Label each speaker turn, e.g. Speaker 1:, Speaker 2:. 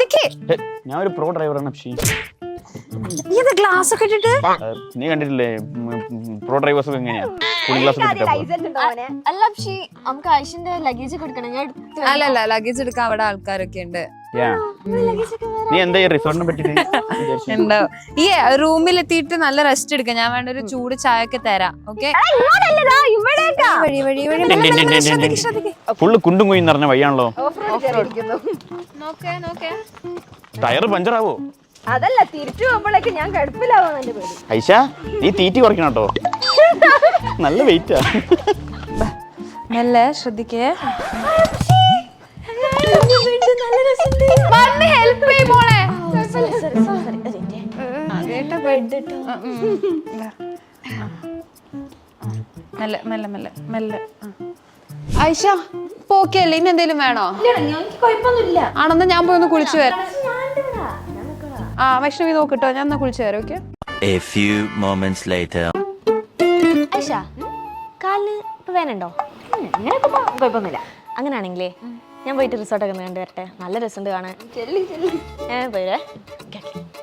Speaker 1: ഞാൻ ഒരു പ്രോ ഡ്രൈവറാണ് അപ്ഷി.
Speaker 2: ഗ്ലാസ് ഒക്കെ ഇട്ടിട്ട്
Speaker 1: നീ കണ്ടിട്ടില്ലേ പ്രോ ഡ്രൈവേഴ്സ് ഒക്കെ എങ്ങനെയാ ഗ്ലാസ്
Speaker 3: അല്ല പക്ഷേ നമുക്ക് ആയിഷിന്റെ ലഗേജ് ഒക്കെ എടുക്കണം.
Speaker 2: അല്ലല്ല ലഗേജ് എടുക്കാൻ അവിടെ ആൾക്കാരൊക്കെ ഉണ്ട്.
Speaker 1: നീ എന്താ റിസോർട്ടിനെ പറ്റിട്ട്
Speaker 2: ഉണ്ടോ ഈ റൂമിലെത്തിയിട്ട് നല്ല റെസ്റ്റ് എടുക്കാം. ഞാൻ വേണ്ട ഒരു ചൂട് ചായ ഒക്കെ തരാം. ഓക്കെ
Speaker 1: ഫുള്ള് കുണ്ടും കുയും നിറഞ്ഞ വഴിയാണല്ലോ. ടയർ പഞ്ചറാവോ?
Speaker 3: അതല്ല തിരിച്ചു പോകുമ്പോഴേക്ക് ഞാൻ കടുപ്പിലാവാൻ എന്റെ പേര്.
Speaker 1: ഐഷ നീ തീറ്റി കുറയ്ക്കണം കേട്ടോ. നല്ല വെയിറ്റാ.
Speaker 2: മെല്ലെ ശ്രദ്ധിക്കേ. ഐഷ പോക്കല്ലേ ഇനി എന്തേലും വേണോ? ആണെന്നാ ഞാൻ പോയി ഒന്ന് കുളിച്ചു വരാം. വൈഷ്ണവി നോക്കിട്ടോ, ഞാൻ ഒന്ന് കുളിച്ചു വരാം. Okay.
Speaker 4: A few moments later.
Speaker 3: Aisha കാലിന് ഇപ്പൊ വേനുണ്ടോ? ഇങ്ങനെയൊക്കെ കുഴപ്പമൊന്നുമില്ല. അങ്ങനെയാണെങ്കിലേ ഞാൻ പോയിട്ട് റിസോർട്ടൊക്കെ കണ്ടു വരട്ടെ. നല്ല രസമുണ്ട് കാണാൻ. പോയില്ലേ?